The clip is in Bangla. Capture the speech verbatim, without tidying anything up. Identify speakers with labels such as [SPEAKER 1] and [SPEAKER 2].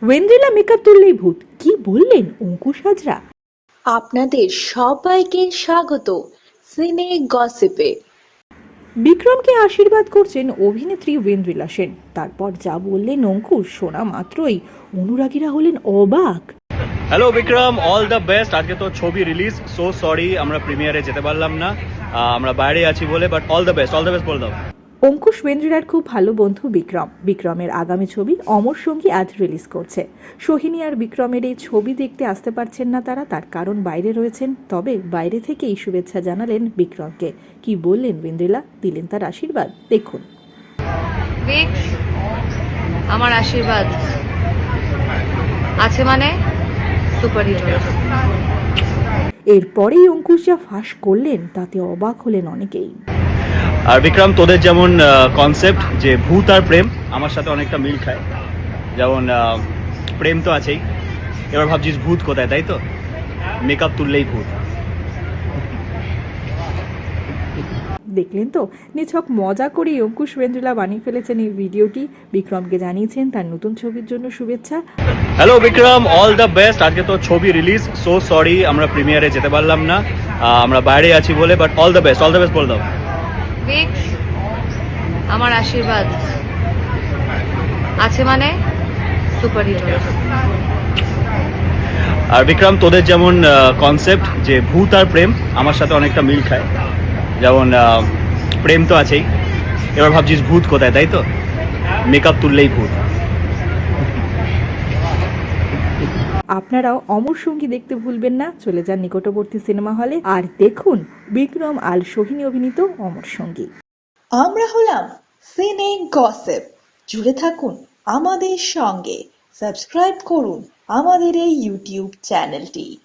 [SPEAKER 1] ওয়েন্দ্রিলা মেকআপ তুললেই ভূত, কি বললেন অঙ্কুশ হাজরা?
[SPEAKER 2] আপনাদের সবাইকে স্বাগত সিনে গসিপে।
[SPEAKER 1] বিক্রমকে আশীর্বাদ করছেন অভিনেত্রী ওয়েন্দ্রিলা সেন। তারপর যা বললেন অঙ্কুশ, শোনা মাত্রই অনুরাগীরা হলেন অবাক।
[SPEAKER 3] Hello Vikram, all the best. আজকে তো ছবি রিলিজ, সো সরি আমরা প্রিমিয়ারে যেতে পারলাম না, আহ, আমরা বাইরে আছি বলে, but all the best, all the best বলে দাও।
[SPEAKER 1] অঙ্কুশ ওয়েন্দ্রিলার খুব ভালো বন্ধু বিক্রম। বিক্রমের আগামী ছবি অমর সঙ্গী আজ রিলিজ করছে। সোহিনী আর বিক্রমের এই ছবি দেখতে আসতে পারছেন না তারা, তার কারণ বাইরে রয়েছেন। তবে বাইরে থেকেই শুভেচ্ছা জানালেন বিক্রমকে। কি বললেন ওয়েন্দ্রিলা, দিলেন তার আশীর্বাদ, দেখুন।
[SPEAKER 4] বিক্স, আমার আশীর্বাদ আছে মানে সুপারহিট হয়েছে।
[SPEAKER 1] এরপরেই অঙ্কুশ যা ফাঁস করলেন তাতে অবাক হলেন অনেকেই।
[SPEAKER 3] আর বিক্রম, তোদের যেমন কনসেপ্ট যে ভূত আর প্রেম আমার সাথে অনেকটা মিল খায়। যেমন আহ, প্রেম তো আছেই, এবার ভাবছিস ভূত কোথায়, তাই তো? মেকআপ তুললেই ভূত।
[SPEAKER 1] দেখলেন তো, নিছক মজা করেই অঙ্কুশ ওয়েন্দ্রিলা বানিয়ে ফেলেছেন এই ভিডিওটি। বিক্রমকে জানিয়েছেন তার নতুন ছবির জন্য শুভেচ্ছা।
[SPEAKER 3] Hello Vikram, all the best. আজকে তো ছবি রিলিজ, সো সরি আমরা প্রিমিয়ারে যেতে পারলাম না, আহ, আমরা বাইরে আছি বলে, but all the best, all the best বলে দাও।
[SPEAKER 4] বিক্স, আমার আশীর্বাদ আছে মানে সুপারহিট হয়েছে।
[SPEAKER 3] আর বিক্রম, তোদের যেমন কনসেপ্ট যে ভূত আর প্রেম আমার সাথে অনেকটা মিল খায়। যেমন আহ, প্রেম তো আছেই, এবার ভাবছিস ভূত কোথায়, তাই তো? মেকআপ তুললেই ভূত।
[SPEAKER 1] আপনারাও অমর সঙ্গী দেখতে ভুলবেন না। চলে যান নিকটবর্তী সিনেমা হলে আর দেখুন বিক্রম আর সোহিনী অভিনীত অমর সঙ্গী।
[SPEAKER 2] আমরা হলাম সিনে গসিপ। জুড়ে থাকুন আমাদের সঙ্গে, সাবস্ক্রাইব করুন আমাদের এই ইউটিউব চ্যানেলটি।